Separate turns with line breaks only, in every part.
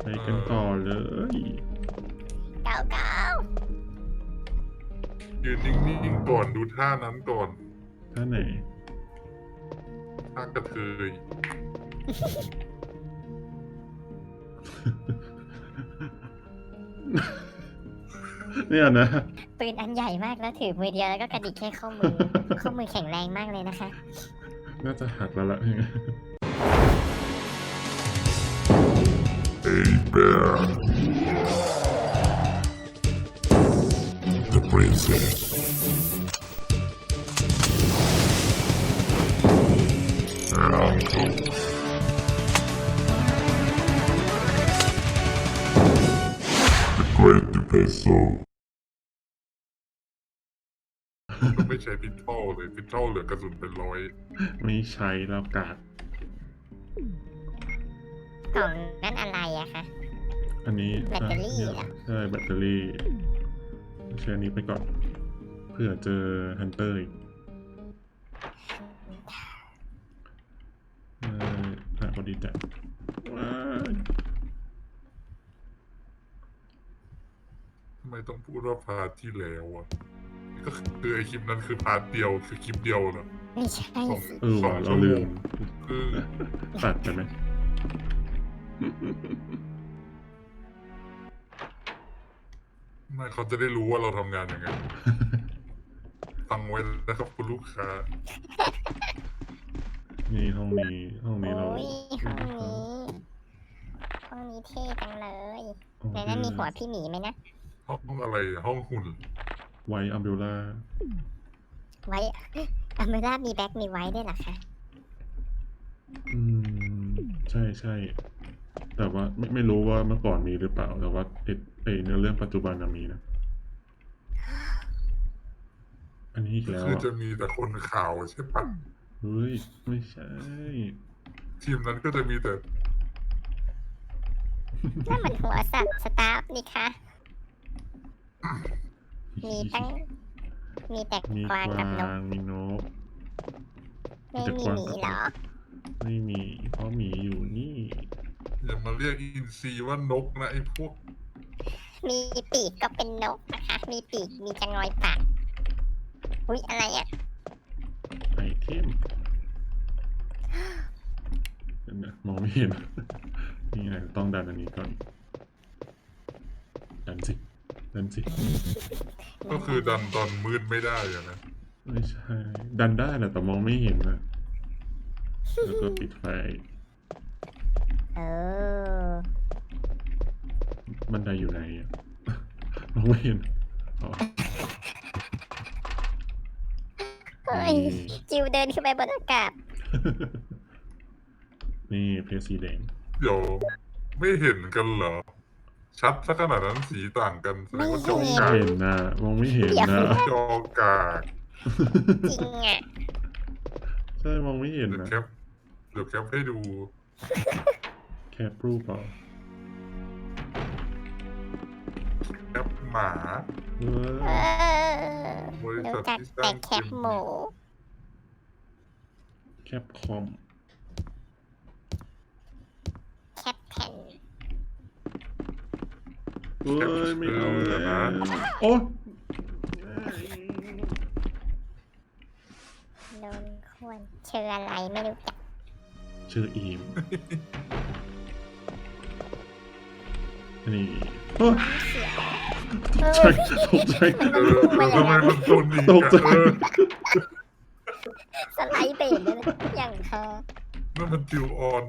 ไปกันต่อเลย
เก้าเก้า
ยืนนิ่งๆก่อนดูท่านั้นก่อน
ท่าไหน
ท่ากระเทย
เนี่ยนะ
ปืนอันใหญ่มากแล้วถือมือเดียวแล้วก็กระดิกแค่ข้อมือ ข้อมือแข็งแรงมากเลยนะคะ
น่าจะหักแล้วล่ะ
A bear. The princess. An uncle. The great vessel.
มันไม่ใช้พิทเทิลเลยพิทเทิลเหลือกระสุนเป็นร้อย
ไม่ใช้แล้วกาด
กล่องนั่นอะไรอะคะ
อันนี้
แบตเตอรี่เหรอ
ใช่แบตเตอรี่ใช้อันนี้ไปก่อน เพื่อเจอฮันเตอร์อีกพอดีจัดว้าย
ทำไมต้องพูดว่าพาร์ทที่แล้วอ่ะก็คือไอคลิปนั้นคือพาร์ทเดียวคือคลิปเดียวนะ
ไม่ใช่
ของ
สิ
ว่ะเราลืม
คือ
ตัดไปไหม
ไม่เขาจะได้รู้ว่าเราทำงานยังไง ฟังไว้นะครับคุณลูกค้า
นี่ห้องนี้เรา
โอ้ยห้องนี้ ห้องนี้เท่จังเลยในนั้นมีหัวพี่หมีไหมนะ
ห้องอะไรอะห้องหุ่น
ไวอัมเบลล่า
ไว้อเมร่ามีแบ็คมีไว้ด้วยเหรอคะ
ใช่ใช่แต่ว่าไม่รู้ว่าเมื่อก่อนมีหรือเปล่า แต่ว่าเนื้อเรื่องปัจจุบันน่ะมีนะ อันนี้อีกแล้ว
คือ
อ่ะ
จะมีแต่คนข่าวใช่ปะ
เฮ้ย ไม่ใช่
ทีมนั้นก็จะมีแต่
นั่นมันหัวสัตว์สตาฟนี่คะมีตั้ง มีแต่
มี
กวาง
ก
กับน
วาก งมีนก
ไม่มีหมีเหรอ
ไม่มี เพราะหมีอยู่นี่
อย่ามาเรียกอินซีว่านกนะไอ้พวก
มีปีกก็เป็นนกนะคะ มีปีก มีจะงอยปาก อุ๊ย อะไรอ่ะ
ไอเทมเดี๋ยวนะมองไม่เห็น นี่ไงต้องดันอันนี้ก่อน ดันสิ ดันสิ
ก็คือดันตอนมืดไม่ได้อะนะ
ไม่ใช่ ดันได้แหละแต่มองไม่เห็นนะแล้วก็ปิดไฟ
เออ
บันไดอยู่ไหนอ่ะ มองไม่เห็นอ๋อ
เฮ้ย จิวเดินขึ้นไปบนอากาศ
นี่เพชรสีแดง
เดี๋ยวไม่เห็นกันเหรอ ชัดสักขนาดนั้นสีต่างกันแสดงว่าจอ
ไม่
กาก
เห็นนะมองไม่เห็นนะ
จอกาก
จริงอ่ะ
ใช่มองไม่เห็น
เดี๋ยว
นะ
แคปเดี๋ยวแคปให้ดู
แคปรูปเปล่า
แคปหมา
เอ
เอ
อ
อ
บริษั
รู้
ท
จัก
ที่ส
แต่
ร้าง
แคปหมู
แคปคอม
แคปแผ่น
เอ้ยไม่เอาแล้วโอ๊ย
โดนควรเชื่ออะไรไม่รู้จัก
ชื่ออีมนี่โอ๊ย
เสียว
ใช่ตกใจ
ทำไมมันโดนอีก
ตกใจ
สไลด์เบรกเลยนะอย่างเธอ
นั่นมันจิวออน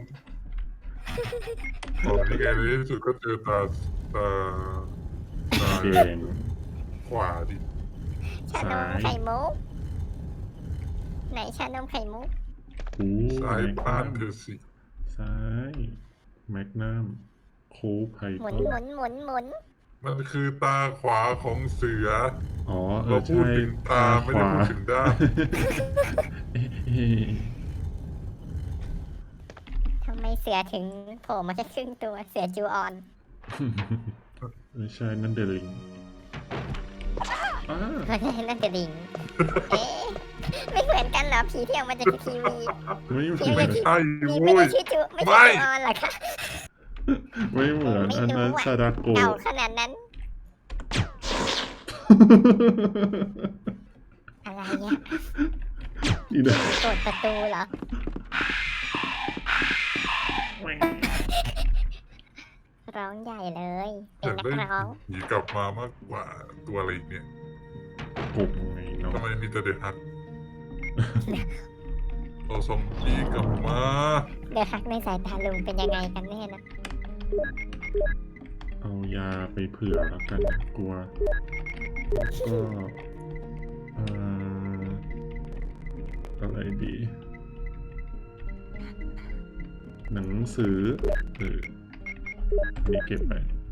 อ๋อนี่ไงในที่สุดก็เจอตา
เกง
ขวาดิ
ชานมไข่มุก ไหนชานมไข่มุก
หู
ซ้ายบ้านเธอสิ
ซ้ายแมกนัมโค้ไพ
หมุน
ท
ห
อ
มุนหมุนหมุน
มันคือตาขวาของเสือ
อ๋อ
เราพูด
ใช่
ถึงตาไม่ได้พูดถึงด้าน
เอ๊ะ
ทำไมเสือถึงโผล่มาแค่ครึ่งตัว เสือจูออน
ไม่ใช่นั่นเดลิงอ้า
ไม่ใช่นั่นจะดิง เอ๊ะไม่เหมือนกันเหรอ ผีที่ออกมาจากทีวี
ไม่
พี่
ไม่
ไม่ใช่
มี
โว้
ไม่ได้
ย
ชื่อจูไม่
ไม่
ใช่จูออนเหรอคะ
ไม่เหมือนอันนั้นซาดาโกะ
เก่าขนาดนั้น อะไรเนี่ย
อีนะ
กดประตูเหรอ ร้องใหญ่เลย
อ
เป็น
ยาก
นัก
ได้
ร้อง
หนีกลับมามากกว่าตัวอะไรอีกเนี่ย
กบไงเนาะ
ทำไมมีแต่เด็กฮักเราซอมบี้กลับมา
เดี๋ยวฮักในสายตาลุงเป็นยังไงกันแน่นะ
เอายาไปเผื่อแล้วกันกลัวก็เอ่ออะไรดี หนังสือมีเก็บไป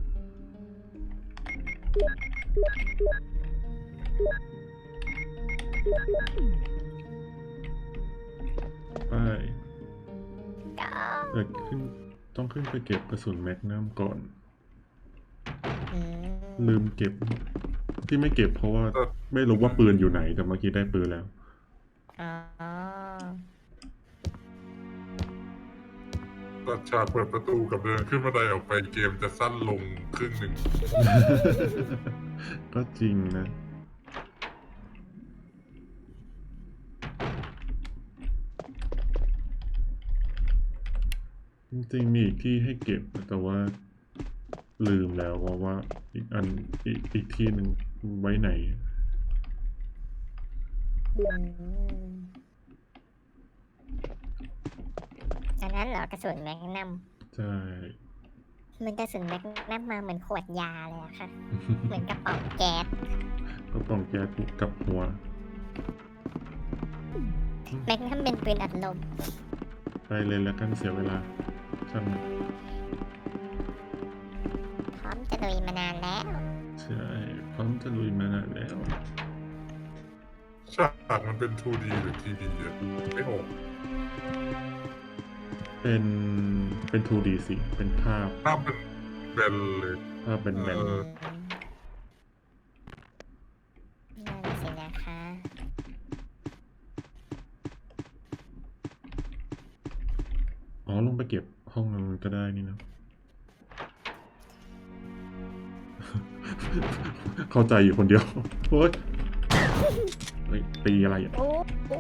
ไป
ก็
แต่ต้องขึ้นไปเก็บกระสุนแมกนัมก่อน
อืม
ลืมเก็บ ที่ไม่เก็บเพราะว่าไม่รู้ว่าปืนอยู่ไหน แต่เมื่อกี้ได้ปืนแล้ว
อ๋อ
ตัดฉากเปิดประตูกับเดินขึ้นบันไดออกไปเกมจะสั้นลงครึ่งหนึ่ง
ก็จริงนะ จริงๆมีอีกที่ให้เก็บแต่ว่าลืมแล้วว่าอีกที่หนึ่งไว้ไหน
อืมอันนั้นเหรอกระสุนแมกนัม
ใช่
มันกระสุนแมกนัมมาเหมือนขวดยาเลยอะค่ะ เหมือนกระป๋องแก๊ส
ก็ต้องแก้กับหัว
แมกนัมเป็นปืนอัดลม
ไปเลยแล้วกันเสียเวลาช่างมัน
พร้อมจะลุยมานานแล้ว
ใช่พร้อมจะลุยมานานแล้ว
ฉากมันเป็น 2D หรือ 3D อ่ะไม่ออก
เป็น 2D สิ เป็นภาพ
ภาพเป็นแบนเลย
ภาพเป็นแบน
เออ
นั่นสินะคะ
อ๋อลงไปเก็บห้องนั้นก็ได้นี่นะ เข้าใจอยู่คนเดียวโอ๊ยเฮ้ยตีอะไรอ่ะ
โอ้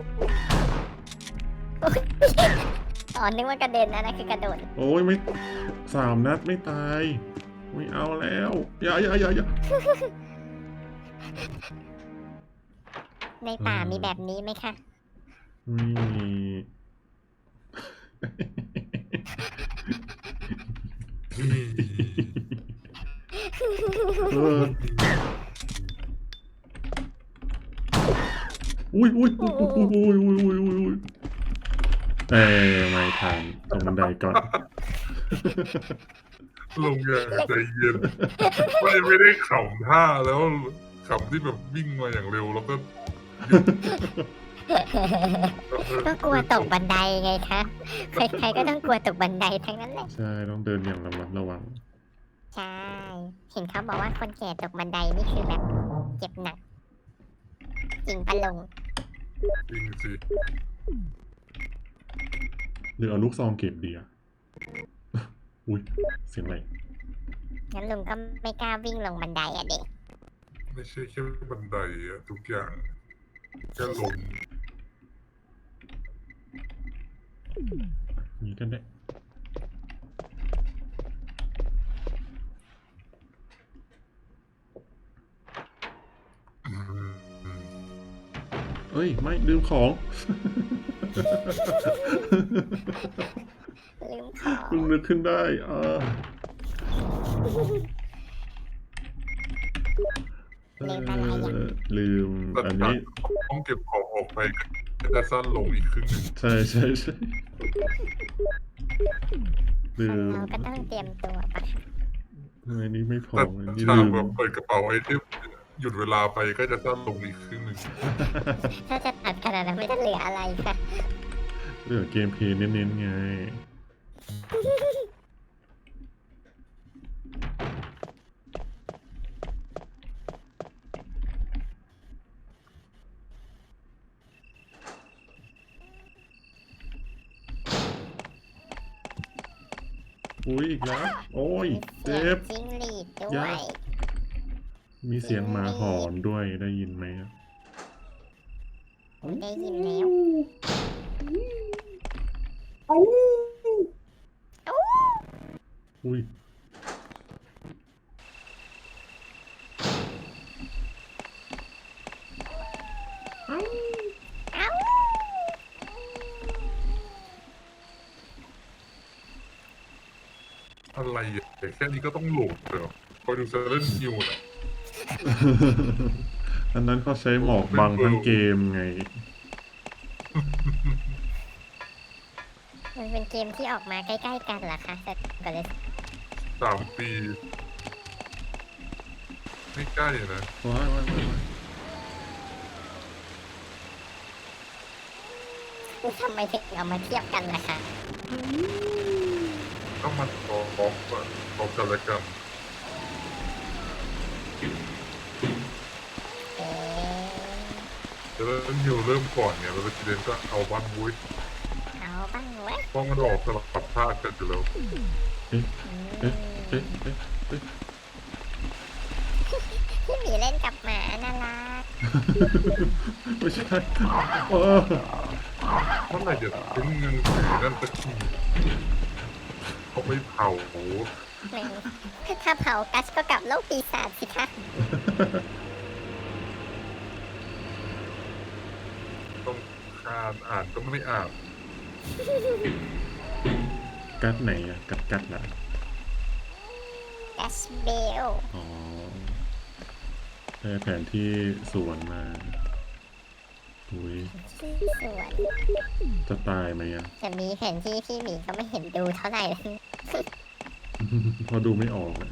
อ๋อนึกว่ากระเด็นนะนั่นคือกระโดด
โอ้ยไม่3 นัดไม่ตาย ไม่เอาแล้วอย่า
ในป่ามีแบบนี้ไหมคะ
ไม่มี เอออุ้ยไม่ทันตรงบันไดก่อน
ลงอย่างใจเย็นไม่ได้ขำท่าแล้วขำที่แบบวิ่งมาอย่างเร็วแล้วก็
ก็กลัวตกบันไดไงคะ ใครๆก็ต้องกลัวตกบันไดทั้งนั้นแหละ
ใช่ต้องเดินอย่างระมัดระวัง
ใช่ เห็นเขาบอกว่าคนแก่ตกบันไดนี่คือแบบเจ็บหนัก จริงปะลง
จริงสิ
หรือเอาลูกซองเก็บดีอะอุ้ยเสียงอะไร
งั้นลุงก็ไม่กล้าวิ่งลงบันไดอะเด็ก
ไม่ใช่แค่บันไดอะทุกอย่างแค่ลม
นี้กันได้เอ้ย ไม่ลืมของ
ลืมของ
เพิ่งนึกขึ้นได้
ลืมอะไรอย่าง
ลืม
แต่
อัน
จาก
นี้
ต้องเก็บของออกไปก็จะสั้นลงอีกครึ่งหนึ่ง
ใช่ลื
คน
ม
เราก็ต้องเตรียมตัวปะคะ
อันนี้ไม่พอ
แต่
อันนี้
ฉาก
ลืม
แบบเปิดกระเป๋าไอเทมหยุดเวลาไปก็จะสั้นลงอีกครึ่งหนึ่ง
ถ้าจะตัดขนาดนั้นไม่จะเหลืออะไรค่ะ
เหลือเกมเพลย์เน้นๆไงอุ้ยอีกแล้ว โอ้ย
เสี
เจ็
ยง
บ
จิ้งหรีดด้
ยา
วย
มีเสียงหมาหอนด้วยได้ยินไหมอะ
ได้ยินแล้ว
อุ้ย
เอ้า
อะไรอ่ะแต่แค่นี้ก็ต้องหลบเลยเหรอคอยดูเซเลนคิวนะ
อันนั้นเขาใช้หมอกบังทั้งเกมไง
มันเป็นเกมที่ออกมาใกล้ๆกันเหรอคะแต่ก็เลย
3 ปี ไม่ใกล้นะ
ว้ายว้ายว้ายว้าย
ทำไมถึงเอามาเทียบกันล่ะคะ
ก็มันพร้อมกันและกัน
เอ๊ะ
เซเลนคิวเริ่มก่อนเนี่ยแล้วเรสซิเดนก็เอาบ้านวุ้ย
เอาบ้างเว้ย
เพราะมันออกสลับภาคกันอยู่แล้ว
เอ๊ะเอ๊ะเอ๊ะเอ๊ะ
พี่หมีเล่นกับหมาน่ารัก
ไม่ใช่เออ
เมื่อไหร่จะทิ้งเงินสีนั่นสักทีเขาไปเผา
ถ้าเผากัสก็กลับโลกปีศาจสิคะ
ต้องคานอ่านก็ไม่อ่าน
กัดไหนอะกัดเหรอ
กัสเบล
อ๋อได้แผนที่สวนมา อุ้ย
ชื่อสวน
จะตายไหมอะ
จะมีแผนที่พี่หมีก็ไม่เห็นดูเท่าไหร่เลย
พอดูไม่ออกอะ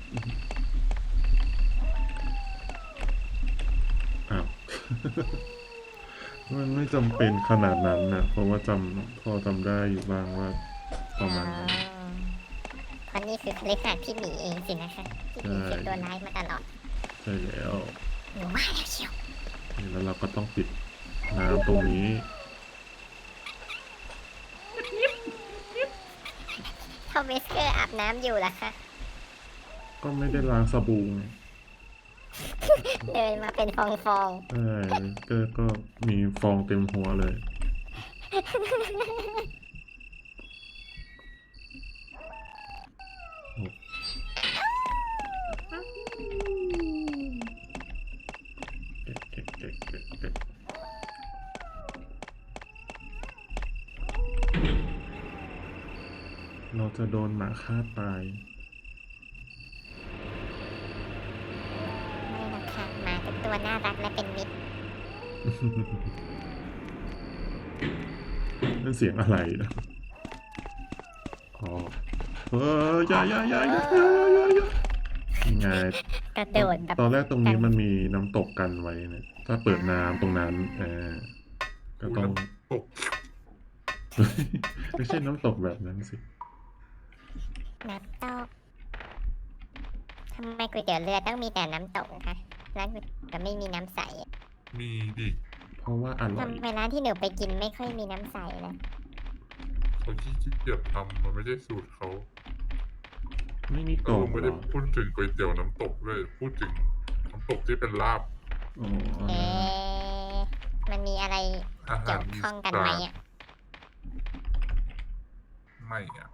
อ้าว มันไม่จำเป็นขนาดนั้นนะเพราะว่าพอจำได้อยู่บ้างว่าประมาณนั้น
เพราะนี่คือคลิขาดพี่หมีเองสินะคะที่หมีเป็นตัวร้ายมาตลอด
ใช่แล้ว
หนูว่าแล้วเชียว
แล้วเราก็ต้องปิดน้ำตรงนี้
ถ้าเวสเกอร์อาบน้ำอยู่ล่ะคะ
ก็ไม่ได้ล้างสบู่ไง
เดินมาเป็นฟอง
ใช่ก็มีฟองเต็มหัวเลย เก็บเราจะโดนหมาฆ่าตาย
ๆไม่หรอกค่ะหมาเป็นตัวน่ารักและเป็นมิตร
นั่นเสียงอะไรนะอ๋ออย่าไง
กระโดดแบบ
ตอนแรกตรงนี้มันมีน้ำตกกันไว้นะถ้าเปิดน้ำตรงนั้นก็ต้อง
ตก
ไม่ใช่น้ำตกแบบนั้นสิ
น้ำตกทำไมก๋วยเตี๋ยวเรือต้องมีแต่น้ำตกคะร้านก๋วยเตี๋ยวไม่มีน้ำใสอะ
มีดิ
เพราะว่าอร่อย
ทำไมร้านที่หนูไปกินไม่ค่อยมีน้ำใสนะ
เขาขี้เกียจทำมันไม่ใช่สูตรเขา
ไม่มีก
เรา
ล่อง
ไม่
เหร
ได้
อ
พูดถึงก๋วยเตี๋ยวน้ำตกเลยพูดถึงน้ำตกที่เป็นลาบ
อ๋อ
เอ๊ะมันมีอะไร
อา
เกี่
หาย ร
ว
อี
ข้องกัน
สา
ไหม
น
อ่ะ
ไม่อ่ะ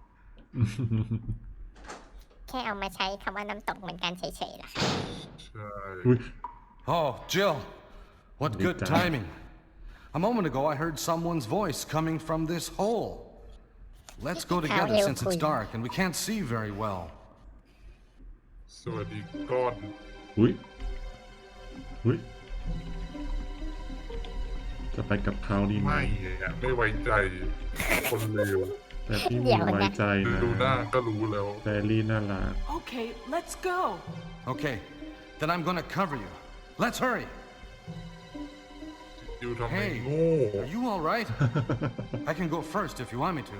แค่เอามาใช้คำว่าน้ำตกเหมือนกันเฉยๆเหรอคะ
ใช่
อุ๊ย
Oh, Jill. What
Big
good
time.
timing. A moment ago, I heard someone's voice coming from this hole. Let's go together
How
since it's
cool.
dark and we can't see very well.
สวัสดีก้อน
อุ้ยจะไปกับเขาดีไหม
ไม่อ่ะไม่ไว้ใจคนเลว
แต่พี่มีไว้ใจนะ
ดูหน้าก็รู้แล้ว
แฟรี่น่ารัก
Okay, let's go.
Okay, then I'm gonna cover you. Let's hurry.
อยู่ทำไม
Hey,
โง่
are you all right? I can go first if you want me to.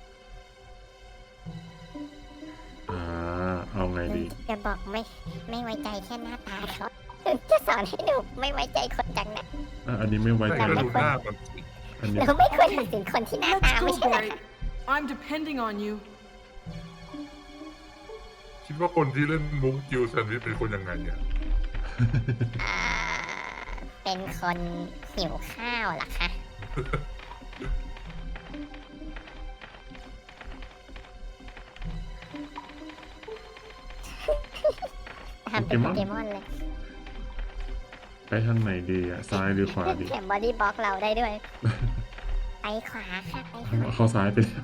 เอาไงดี
จะบอกไม่ไว้ใจแค่หน้าตาเขาจะสอนให้หนูไม่ไว้ใจคนจังนะ
อันนี้ไม่ไว้
แต่
ใจ
ก็ดูหน้ามันสิ
อันนี้
เราไม่ควรตัดสินคนที่หน้าตา
Let's
ไม่
go,
ใช่เหรอ
boy. I'm depending on you.
คิดว่าคนที่เล่นมุกจิวแซนด์วิชเป็นคนยังไงเนี่ย
อ่า เป็นคนหิวข้าวเหรอคะทำเป็นโปเกมอนเลย
ไปทางไหนดีอ่ะ ซ้ายหรือขวาดี
เขียนบอดี้บล็อกเราได้ด้วย ไปขวาค่ะไปขวา
เข้าซ้ายไปแล้ว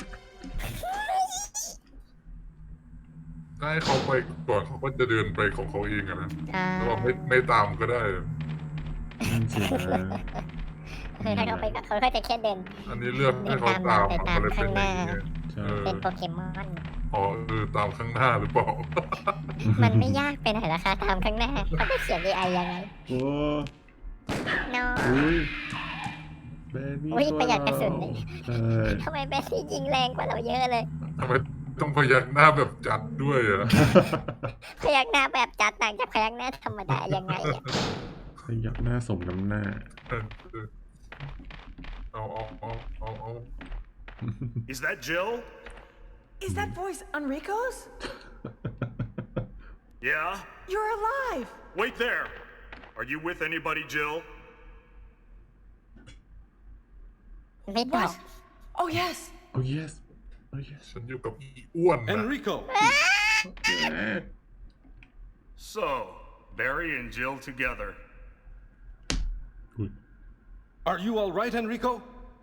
ถ้าให้เขาไปก่อนเขาก็จะเดินไปของเขาเองอะนะ
อ่า
แล้วเราไม่ตามก็ได้
นั่นสินะ
ถ้าเขาไปกับเขาก็จะแค่เดิน
อันนี้เลือกให้เขาตาม
ไป
มัน
ตาม
ก็เลยเป็นอย่างนี้
ใช่
เป็นโปเกมอน
อ๋อตามข้างหน้าหรือเปล่า
มันไม่ยากไปไหนล่ะคะตามข้างหน้าเขาจะเขียน AI ยังไง
โอ้
นอ
อุ้ยแบรี่
อุ๊ย
ตัว
ประหยัดกระสุน
ใช่
ทำไมแบสซี่ยิงแรงกว่าเราเยอะเลย
ทำไมต้องพยักหน้าแบบจัดด้วยอะ
พยักหน้าแบบจัดต่างจากพยักหน้าธรรมดายังไงอะ
ขยับหน้าสมน้ำหน้า
เอา
Is that Jill?
Is that voice Enrico's?
Yeah?
You're alive!
Wait there! Are you with anybody, Jill?
ไม่ตอบ
What? Oh, yes.
oh yes oh yes
ฉันอยู่กับอีอ้วนนะ
Enrico!
So, Barry and Jill together.
อุ้ย
Are you all right, Enrico?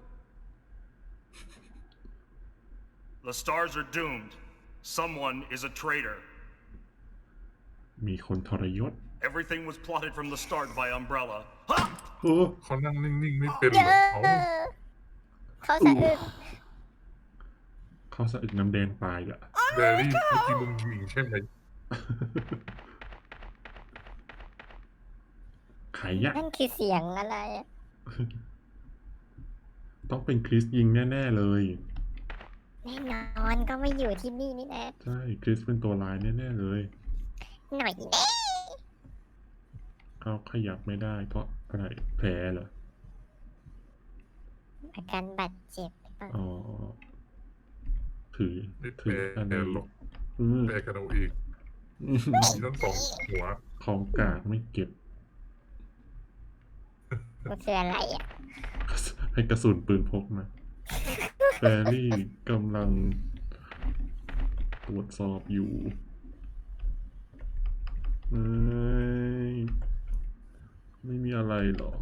The stars are doomed. Someone is a traitor.
มีคนทรยศ
Everything was plotted from the start by Umbrella. Ha!
โอ้
เขานั่งนิ่งๆไม่เป็น
เย
เหรอ
อะเขาสะอึก
เขาสะอึกน้ำแดงตายอ่ะ
แบรี่เมื่อกี้มึงยิงใช่ไหม
ไขยะ
นั่นคือเสียงอะไรอะ
ต้องเป็นคริสยิงแน่ๆเลย
แน่นอนก็ไม่อยู่ที่นี่นี่นะ
ใช่คริสเป็นตัวร้ายแน่ๆเลย
หน่อยแน่
เขาขยับไม่ได้เพราะอะไรแผลเหรอ
อาการบาดเจ็บหรือเปล่า
อ๋อ ถือ
ไม่
ถืออัน
แปล
นี้
หรอก
อืม
แปลกันเอาเองมีทั้งสองหัว
ของกากไม่เก็บ
มันคืออะไรอ่ะ
ให้กระสุนปืนพกมาแฟรี่กำลังตรวจสอบอยู่ไม่มีอะไรหรอ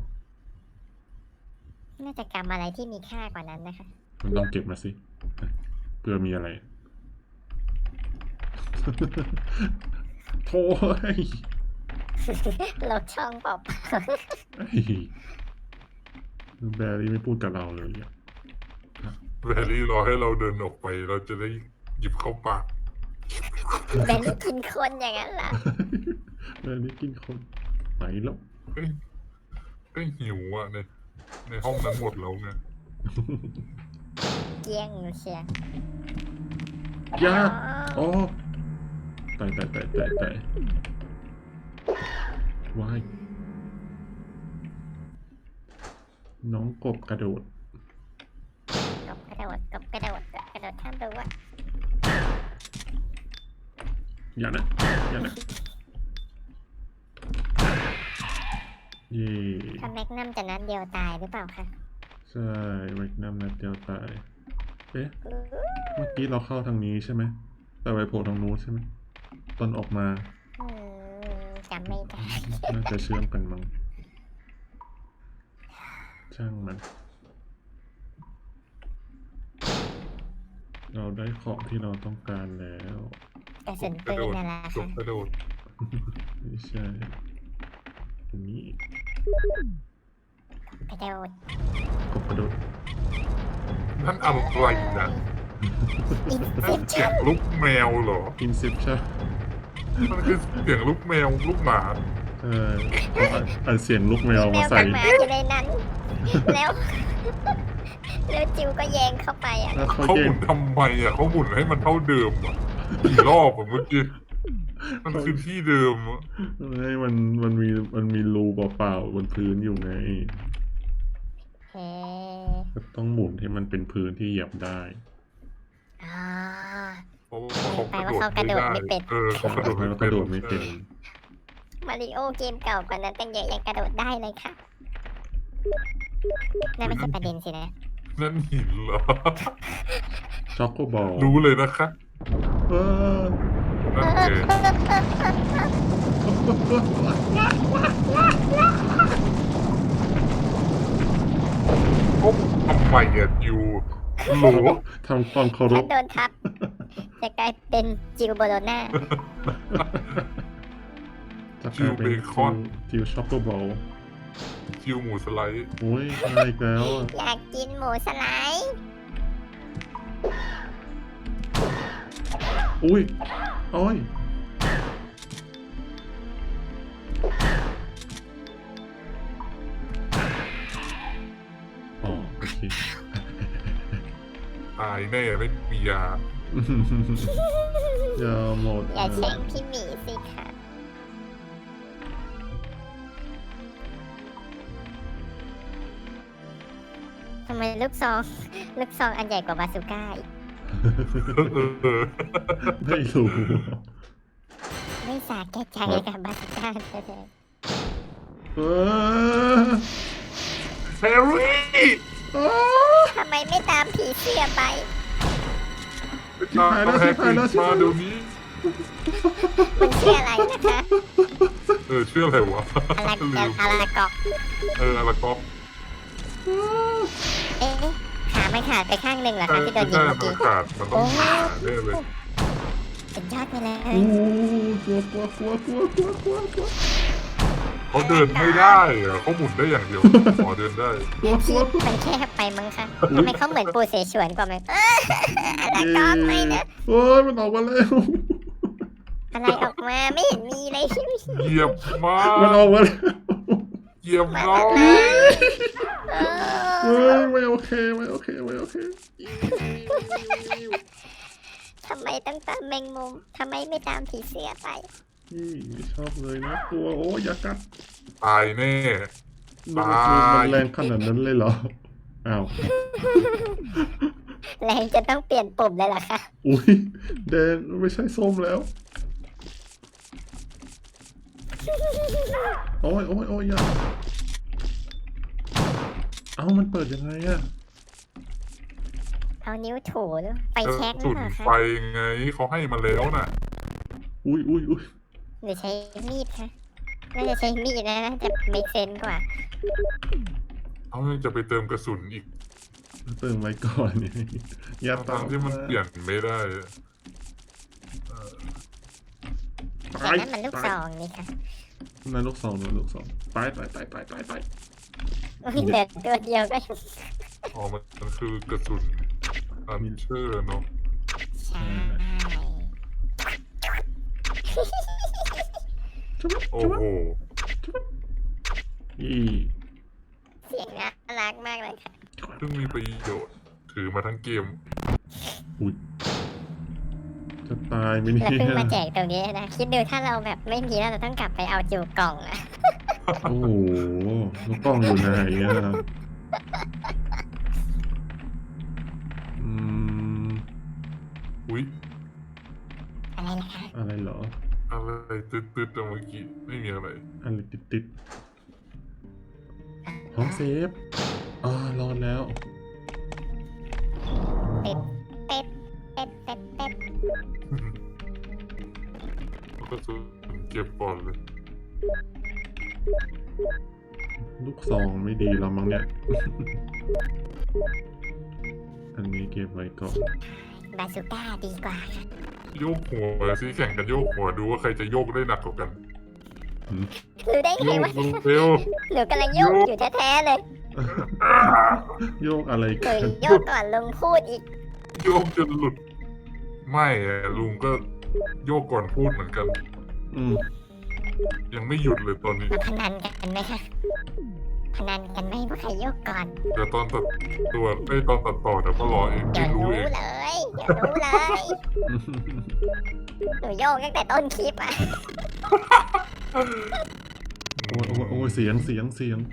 น่าจะกรรมอะไรที่มีค่ากว่านั้นนะคะ
มันต้องเก็บมาสิเพื่อมีอะไร โถ่เฮ้ย
ลบช่องเปล่า
เฮ้ยแบรี่ไม่พูดกับเราเลยอ่ะ
แบรี่รอให้เราเดินออกไปเราจะได้หยิบเข้าปาก
ๆเป็นกินคนอย่างนั้นเหรอ
แบรี่กินคนไปแล้ว
ก็หิวอ่ะในห้องนั้นหมดแล้วไง
เกี้ยงเชียร์
ยาโอ้ตายว้ายน้องกบกระโดด
กบกระโดดข้ามรั้ว
อย่านะเย่
ถ้าแม็กนัมจะนัดเดียวตายหรือเปล่าคะ
ใช่แมกนัมนัดเดียวตาย เอ๊ะ เมื่อกี้เราเข้าทางนี้ใช่ไหม แต่ไปโผล่ทางนู้นใช่ไหม ตอนออกมา
จำไม่ได้
น่าจะเชื่อมกันมั้ง ช่างมัน เราได้ของที่เราต้องการแล้ว
กระสุน
กระ
ปื
โด
น
ด
อะไร
จ
คะ
บกระโดด
ไม่ใช่อันนี้
กระโดด
กบกระโดด
นั่นอะไรนะ
อิน
นั่
เซ็
น
ป
เสีย
ชั่
ง
น
ลูกแมวเหรอ
Inception
มันคือเสียงลูกแมวลูกหมา
อันเสียงลูกแมว
แม
มาว ใส่
กับหมาอยู่ในนั้น แล้วจิวก็แยงเข้าไปอ่ะ
แล้วเขา
เขา
แย
ห
ก
มุนทำไมอ่ะเขาหมุนให้มันเท่าเดิมอ่ะกี่รอบอ่ะเมื่อกี้มันคือที่เดิมอ่ะ
ให้มันมีรูเปล่าๆบนพื้นอยู่ไง
เฮ้
ก็ต้องหมุนให้มันเป็นพื้นที่เหยียบได้
อ่า
เพราะว่าเขากระโดดไม่ได้เขากระโดด
แล้วกระโดดไม่เป็น
มาริโอเกมเก่ากว่านั้นตั้งเยอะยังกระโดดได้เลยค่ะนั่นไม่ใช่ประเด็นสินะ
นั่นหินเหรอ
ช็อกโกบอล
รู้เลยนะคะ
เออ
นั่นเองก็ทำไมอ่ะอยู่โหล
ทำความเคาร
ถ้า
พ
โดนทับ จะกลายเป็นจิวโบโลน่า
จะกลายเป็นจิวช็อกโกบอล
คิวหมูสไลด์
โอ้ยอะไรอีกแล้วอะ
อยากกินหมูสไลด์
อุ้ยโอ้ยอ๋อโอเค
ตายแน่ไม่มียา
อย่าหมด
อย่าแช่งพี่หมีสิค่ะทำไมลูกซองอันใหญ่กว่าบาซูก้าอีก
ไม่รู้
ไม่สาแก่ใจกับบาซูก้าเลย
เออ
แฮร์รี่
ทำไมไม่ตามผีเสื้อไป
ตามแฮร์รี่มาเดี๋ยวนี้
มันชื่ออะไรนะคะ
ชื่ออะไรวะ
อารา
ลืม
อาราเกอก
อาราก๊อก
เอ๊ะขาไม่ขาดไปข้างหนึ่งเหรอคะที่โดนยิ
ใช่
ง
มั
เมื่อน กี้
ขาดมันต้องขาดแน่เลย
สุดยอดไปเลย
โอ้กลัวกลัวกลัวกลัวกลัวกลัวกลัว
เขาเดินไม่ได้อะเขาหมุนได้อย่างเดียวขอเดินได้
กลัวกลัว
มันแคบไปมั้งคะทำไมเขาเหมือนปูเสฉวนกว่าไหมอาราเกอกไม่นะ
โอ้ยมันออกมาแล้ว
อะไรออกมาไม่เห็นมีเลย
เหยียบมา
มันออกมาแล้ว
เหยียบ
มา
เรา
เลยเอ
เฮ้
อย
ไม่โอเคไม่โอเคไม่โอเค
ทำไมต้องตามแมงมุมทำไมไม่ตามผีเสื้อไป
นี่ไม่ชอบเลยนะกลัวโอ้ยอย่ากัด
ตายแน่
มันแรงขนาดนั้นเลยเหรออ้าว
แรงจะต้องเปลี่ยนปุ่มเลยเหรอคะ
อุ้ยแดงไม่ใช่ส้มแล้วโอ้ยโอ้ยโอ้ยอย่าเอ้ามันเปิดยังไงอะ
เอานิ้วถูหรือไฟแช็กหรื
สุ
อ
ด
เปล่าคะ
ไฟไงเขาให้มาแล้วน่ะ
อุ้ยอุ้ยอุ้ย
หรือใช้มีดคะน่าจะใช้มีดนะน่าจะไม่เซนกว่า
เขาจะไปเติมกระสุนอีก
เติมไว้ก่อนนี่อย่า
ทั้งที่มันเปลี่ยนไม่ได้
แต่นั้นมันลูกซองนี่ค่ะ
นั่นลูกสองนั่นลูกสองตายตายตายตายตายตาย
อุ๊ยเหลือตัวเดียวก็
อ๋อมันคือกระสุนอันเชอร์เนาะ
ใช่
โอ้โห
ยี่
เสียงน่ารักมากเลยค่ะ
เพิ่งมีประโยชน์ถือมาทั้งเกม
อุ้ยจะตายไหมเนี่
เรา
ย
เพิ่งมาแจกตรงนี้นะ คิดดูถ้าเราแบบไม่มีแล้วเราต้องกลับไปเอาจูกล่องอะ
โอ้โหลูกกล้องอยู่ไหนอะอืม
อุ๊ย
อะไรนะคะ
อะไรเหรอ
อะไรตืดๆแต่เมื่อกี้ไม่มีอะไร
อะไรติดติดห้องเซฟรอดแล้ว
เป็ดเป็ดเป็ดเป็ดเป็ด
แล้วก็สุนเก็บก่อนเลย
ลูกซองไม่ดีแล้วมั้งเนี่ย อันนี้เก็บไว้ก่อน
บาซูก้าดีกว่าค่ะ
โยกหัวสิแข่งกันโยกหัวดูว่าใครจะโยกได้หนักกว่ากัน
รู้ได้
โย
ไง
ก
วะ
เร็ว
หนูกำลังโยกอยู่แท้ๆเลย
โยกอะไร
หนู
กัน
โยกก่อนลุงพูดอีก
โยกจนหลุด ไม่อะลุงก็โยกก่อนพูดเหมือนกัน
อืม
ยังไม่หยุดเลยตอนนี้
มาพนันกันไหมคะพนันกันไหมว่าใครโยกก่อน
เดี๋ยวตอนตัดตัวตอนตัดต่อเดี๋ยวก็รอเอง
เดี๋ยว
รู้
รู้
เอง
เลยเดี๋ยวรู้เลย หนูโยกตั้งแต่ต้นคลิปอ่ะ
โอ้ยโอ้ยโอ้ยเสียงเสียงเสียง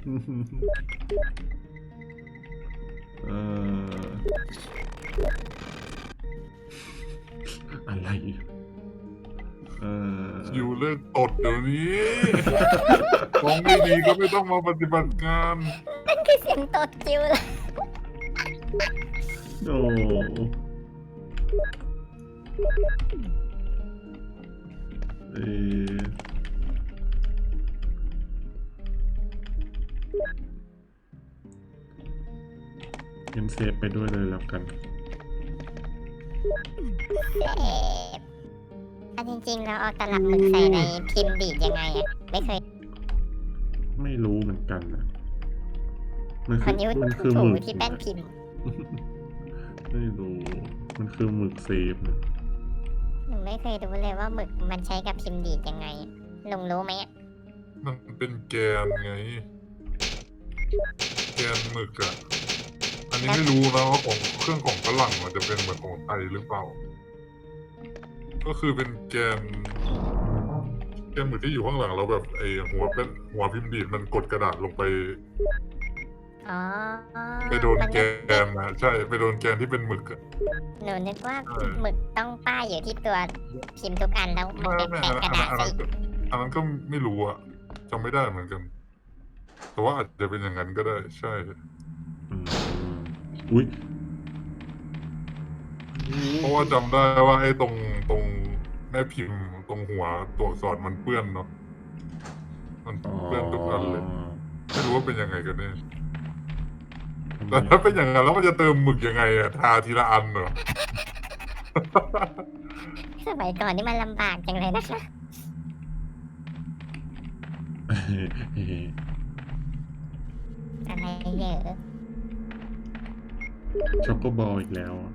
อะไร
อยู่เลิกตดเดี๋ยวนี้มองไม่ดีก็ไม่ต้องมาปฏิบัติงาน
นั่นคือเสียงตดคิวเลย
โอ้เอ่องั้นเซฟไปด้วยเลยแล้วกัน
เอ๊ะอันจริงๆเราเอาตลับหมึกใส่ในพิมพ์ดีดยังไงอะไม่เคย
ไม่รู้เหมือนกันนะมัน
ค
คื
นนิ้ว
มันคือ
ถู
หมึก
ที่แป้นพิมพ์
ไม่รู้มันคือหมึกเซฟนะ
หนูไม่เคยรู้เลยว่าหมึกมันใช้กับพิมพ์ดีดยังไงลุงรู้ไหมอะ
มันเป็นแกนไง แกนหมึกอะอันนี้ไม่รู้นะว่าของเครื่องของฝรั่งมันจะเป็นเหมือนของไทยหรือเปล่า ก็คือเป็นแกนหมึกที่อยู่ข้างหลังเราแบบไอหัวเป็นหัวพิมพ์ดีดมันกดกระดาษลงไป
อ๋อ
ไปโดน
มั
แกนนะใช่ไปโดนแกนที่เป็นหมึกอะ
หนูนึกว่า
เออ
หมึกต้องป้ายอยู่ที่ตัวพิมพ์ทุกอันแล้วมัน
ไม่
เป็น
ไม่
แปะกระดาษ
อัน
ใส่
นั้นก็ไม่รู้อะจำไม่ได้เหมือนกัน แต่ว่าอาจจะเป็นอย่างนั้นก็ได้ ใช่
อืมอุ้ย
เพราะว่าจำได้ว่าไอ้ตรงแม่พิมพ์ตรงหัวตัวอักษรมันเปื้อนเนาะมันเปื้อนทุกอันเลย ไม่รู้ว่าเป็นยังไงกันแน่แต่ถ้าเป็นอย่างนั้นแล้วมันจะเติมหมึกยังไงอะทาทีละอันเหรอ
สมัยก่อนนี่มันลำบากจังเลยนะคะอะไรเยอะ
ช็อกโกบอลอีกแล้วอะ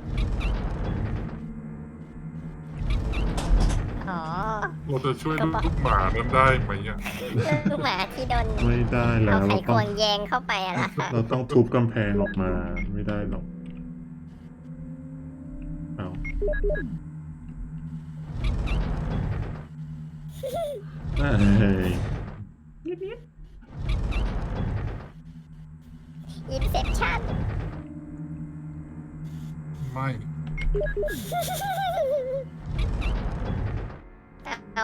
อ๋อ
เราจะช่วยลูกหมานั้นได้ไหมอะ
ลูกหมาที่โดน
ไม่ได้แล้
เอา
ว
ไข
เรา
ค
ต้อง
วงแยงเข้าไปอะล่ะค่ะ
เราต้องทุบกำแพงออกมาไม่ได้หรอกเอา เอ้ย
อินเซปชั่น
ไม่
เอา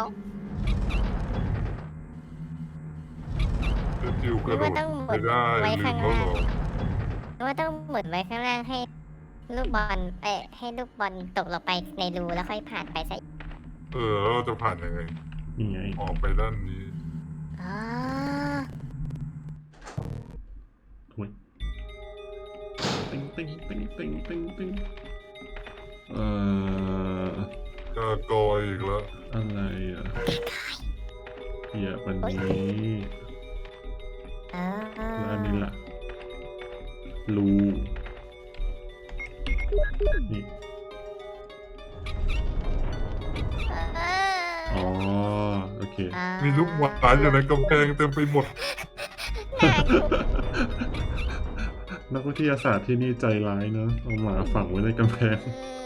เจะจิวกระโดดไม่ได้ลืมแล้วเหรอ
หรือว่าต้องหมุนไว้ข้างล่างให้ลูกบอลให้ลูกบอลตกลงไปในรูแล้วค่อยผ่านไปซะ
แล้วเราจะผ่านยังไง
นี่ไง
ออกไปด้านนี้
อ๋อ
ถุยติ๊งติ๊งติ๊งติ๊งติ๊งติ๊ง
กากอยอีกแล้ว
อะไรอ่ะเหี้ยวันนี้
อ๋อ
แล้วอันนี้ล่ะรูนี่อ๋อโอเค
มีลูกหมาอยู่ในกำแพงเต็มไปหมด
นักวิทยาศาสตร์ที่นี่ใจร้ายเนอะเอาหมาฝังไว้ในกำแพง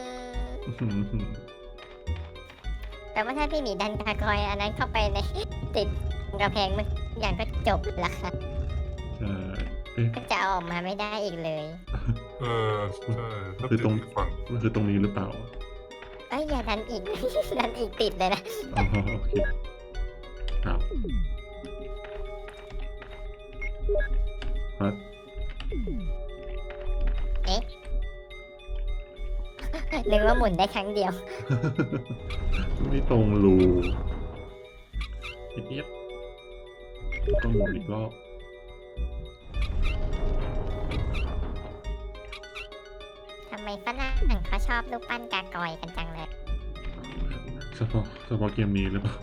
แต่ว่าถ้าพี่หมีดันกากอยอันนั้นเข้าไปในติดกระแพงมันอย่างก็จบละค่ะ
ใช่เอ๊ะ
ก็จะเอาออกมาไม่ได้อีกเลย
ใช่ถ้า
คือ
ติด
ตรง
อีกฝั่ง
มันคือตรงนี้หรือเปล่า
เอ้ยอย่าดันอีก ดันอีกติดเลยนะ
อ๋อโอเคครับฮัท
เอ๊ะ นึกว่าหมุนได้ครั้งเดียว
ไม่ตรงรูเอี๊ยบต้องหมุนอีกรอบ
ทำไมฝรั่งเขาชอบรูปปั้นกากอยกันจังเลย
เฉพาะเกมนี้หรือเปล่า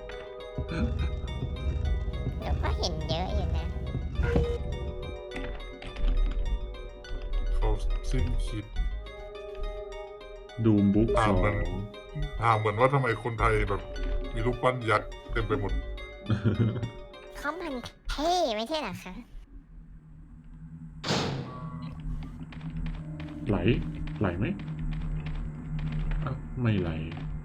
เดี๋ยวก็เห็นเยอะอยู่นะ
เขาสิ้นคิด
ดูมบุ๊ก
อ่า
สอง
มัน ถามเหมือนว่าทำไมคนไทยแบบ มีรูปปั้นยักษ์เต็มไปหมด
เขามันเท่ไม่ใช่เหรอคะ
ไหลไหมอ้าวไม่ไหล